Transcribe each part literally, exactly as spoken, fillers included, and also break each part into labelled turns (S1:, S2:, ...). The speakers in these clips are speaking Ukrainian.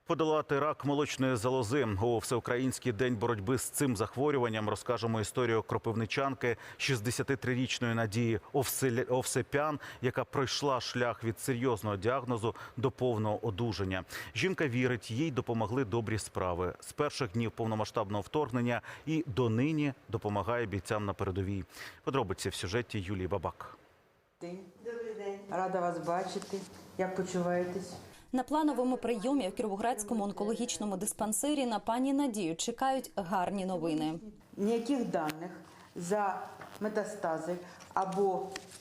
S1: Подолати рак молочної залози. У Всеукраїнський день боротьби з цим захворюванням розкажемо історію кропивничанки шістдесятитрирічної Надії Овсепян, яка пройшла шлях від серйозного діагнозу до повного одужання. Жінка вірить, їй допомогли добрі справи. З перших днів повномасштабного вторгнення і донині допомагає бійцям на передовій. Подробиці в сюжеті Юлії Бабак.
S2: Добрий день. Рада вас бачити. Як почуваєтесь?
S3: На плановому прийомі в Кіровоградському онкологічному диспансері на пані Надію чекають гарні новини.
S2: Ніяких даних за метастази або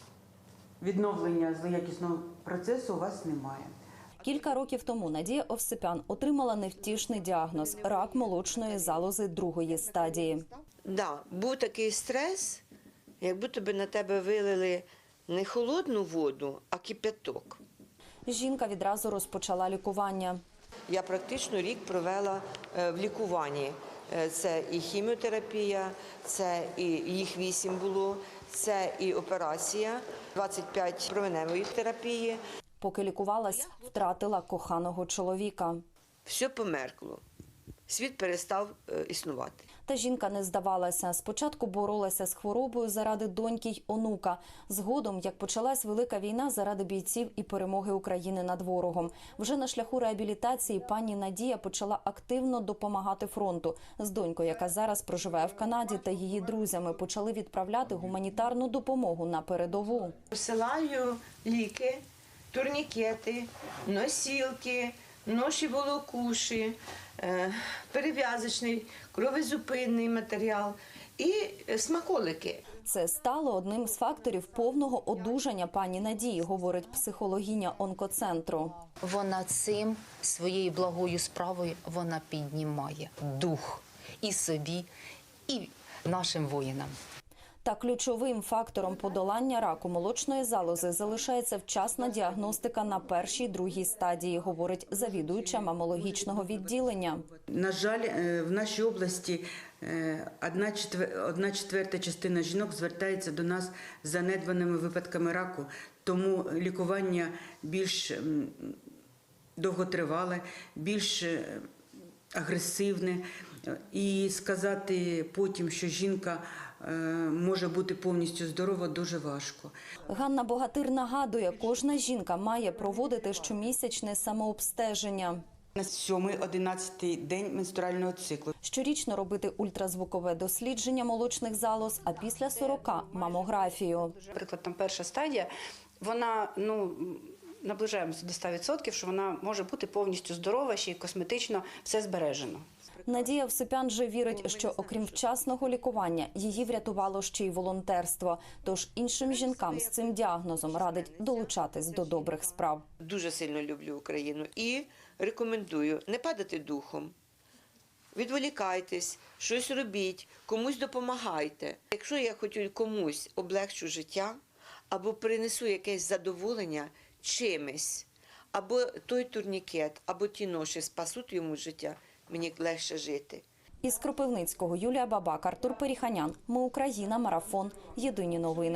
S2: відновлення злоякісного процесу у вас немає.
S3: Кілька років тому Надія Овсепян отримала невтішний діагноз – рак молочної залози другої стадії.
S4: Да, був такий стрес, як будто би на тебе вилили не холодну воду, а кипяток.
S3: Жінка відразу розпочала лікування.
S4: Я практично рік провела в лікуванні. Це і хіміотерапія, це і їх вісім було, це і операція, двадцять п'ять променевої терапії.
S3: Поки лікувалась, втратила коханого чоловіка.
S4: Все померкло. Світ перестав існувати.
S3: Та жінка не здавалася. Спочатку боролася з хворобою заради доньки й онука. Згодом, як почалась велика війна заради бійців і перемоги України над ворогом. Вже на шляху реабілітації пані Надія почала активно допомагати фронту. З донькою, яка зараз проживає в Канаді, та її друзями почали відправляти гуманітарну допомогу на передову.
S4: Посилаю ліки, турнікети, носілки, ноші волокуші, перев'язочний, кровозупинний матеріал і смаколики.
S3: Це стало одним з факторів повного одужання пані Надії, говорить психологиня онкоцентру.
S5: Вона цим, своєю благою справою, вона піднімає дух і собі, і нашим воїнам.
S3: Та ключовим фактором подолання раку молочної залози залишається вчасна діагностика на першій, другій стадії, говорить завідуюча мамологічного відділення.
S2: На жаль, в нашій області одна четверта частина жінок звертається до нас з занедбаними випадками раку, тому лікування більш довготривале, більш агресивне. І сказати потім, що жінка може бути повністю здорова, дуже важко.
S3: Ганна Богатир нагадує, кожна жінка має проводити щомісячне самообстеження.
S2: На сьомий-одинадцятий день менструального циклу.
S3: Щорічно робити ультразвукове дослідження молочних залоз, а після сорока – мамографію.
S6: Наприклад, там перша стадія, вона, ну, наближаємося до ста відсотків, що вона може бути повністю здорова, ще й косметично все збережено.
S3: Надія Овсепян же вірить, що окрім вчасного лікування, її врятувало ще й волонтерство. Тож іншим жінкам з цим діагнозом радить долучатись до добрих справ.
S4: Дуже сильно люблю Україну і рекомендую не падати духом. Відволікайтесь, щось робіть, комусь допомагайте. Якщо я хочу комусь облегчу життя, або принесу якесь задоволення чимось, або той турнікет, або ті ноші спасуть йому життя, мені легше жити.
S3: Із Кропивницького Юлія Бабак, Артур Періханян. Ми Україна. Марафон. Єдині новини.